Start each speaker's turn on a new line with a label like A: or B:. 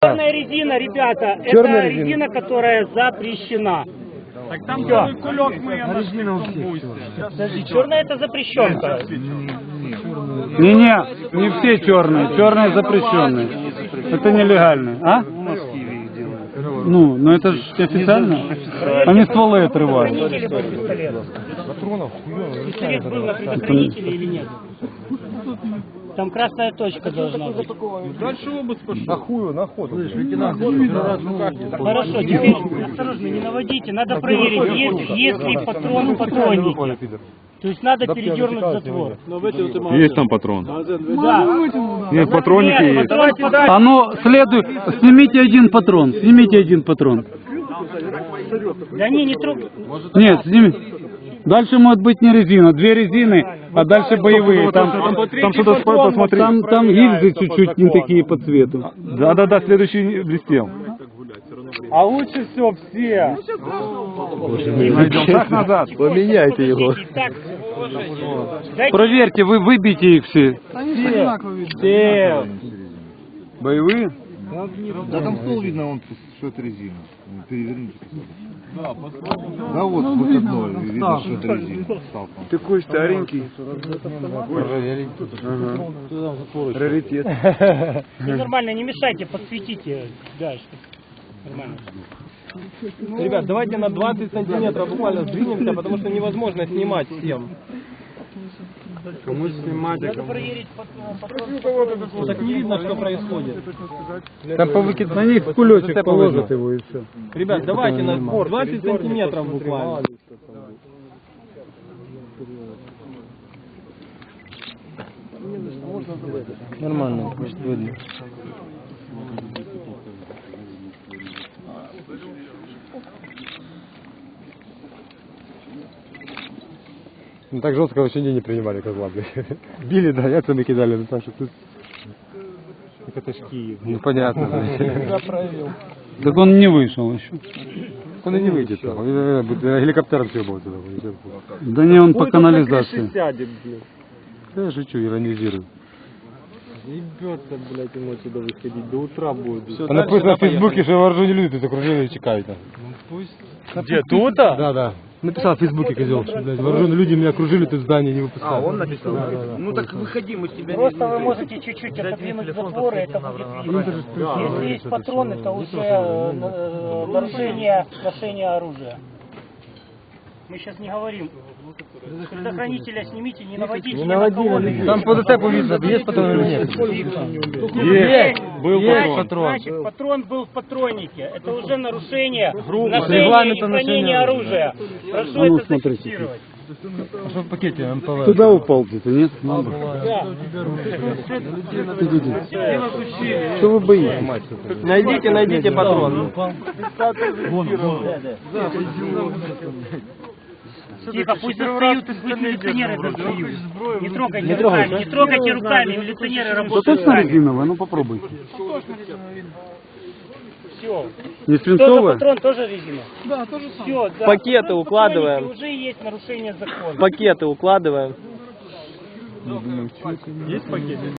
A: Черная резина, ребята,
B: Черная
A: это
B: резина.
A: резина, которая запрещена.
C: Так там
A: Всё.
C: целый кулек мы ее нашли в том бусте.
A: Подожди, черная это запрещенка.
B: Не все черные. Черные запрещенные. Это нелегально. А? Ну, но это же официально. Они стволы отрывают.
A: Предохранители был пистолет. Пистолет был на предохранителе или нет? Там красная точка должна быть.
C: Дальше обыск пошел.
B: На хую, на ходу.
A: Хорошо, теперь осторожно, не наводите. Надо проверить, есть ли патрон в патроннике. То есть надо передернуть затвор.
D: Есть там патрон?
A: Да.
D: Нет, в патроннике есть.
B: А ну, следует, снимите один патрон. Снимите один патрон.
A: Да не трогай.
B: Нет, сними. Дальше может быть не резина, две резины, а дальше боевые. Там
D: что-то посмотри.
B: там гильзы чуть-чуть не такие по цвету.
D: Да, следующий блестел.
B: А лучше все.
D: Найдем шаг назад.
B: Поменяйте его.
A: Так, дайте.
B: Проверьте, вы выбейте их все. Все. Боевые?
E: Да там стол видно, что это резина. Переверните. Да вот выходной, видно, что это резина.
B: Такой старенький. Раритет.
A: Не, нормально, не мешайте, подсветите. Да, что нормально.
C: Ребят, давайте на 20 сантиметров буквально сдвинемся, потому что невозможно снимать всем.
B: Кому снимать?
A: Надо проверить патрон.
C: Ну, так не видно, что происходит.
B: Там повыкидывать на них кулечек положат его и все.
C: Ребят, давайте на 20 сантиметров буквально.
B: Нормально, может видно.
F: Ну так жестко вообще не принимали козла, блядь. Били, да, яйцами кидали, ну так что тут... Это ж Киев. Ну понятно, блядь.
B: Так он не вышел еще.
F: Он и не выйдет, там. Он геликоптером съебал туда.
B: Да не, он по канализации.
C: Сядет, блин.
F: Да я шучу, иронизирую.
C: Ебется, блядь, ему отсюда выходить. До утра будет. Все,
F: А написано в Фейсбуке, что вооруженные люди тут окружили и чекают.
C: Где, тут-то?
F: Да. Написал в Фейсбуке, козел, что, блядь, вооруженные люди меня окружили, тут здание не выпускают.
E: А, он написал?
F: Да.
E: Ну так выходи, мы с тебя
A: Просто вы можете чуть-чуть отодвинуть затвор, и это будет видно. Если есть патрон, это уже нарушение ношения оружия. Мы сейчас не говорим. Предохранителя снимите, не наводите ни на кого.
F: Там по ДТПу видно, есть патрон или нет?
D: Есть. Был патрон.
A: Значит, патрон был в патроннике. Это уже нарушение
F: Регламента
A: ношения и хранения
F: ношения
A: оружия. Прошу
B: А ну,
A: это
B: смотрите.
A: зафиксировать.
F: А что в пакете МПВ?
B: Туда упал где-то, нет?
A: Да.
B: Что вы боитесь?
C: Найдите патрон.
A: Тихо, пусть достают, пусть милиционеры достают. Не трогайте руками, не трогайте руками, милиционеры
B: Да
A: работают
B: точно
A: сами.
B: резиновая? Ну попробуйте.
A: Все.
B: Не
A: Тоже
B: свинцовая?
A: патрон, тоже резина? Да, тоже все, да.
C: Пакеты
A: Уже в
C: укладываем.
A: патроннике уже есть нарушение закона.
C: Пакеты укладываем. Есть пакеты?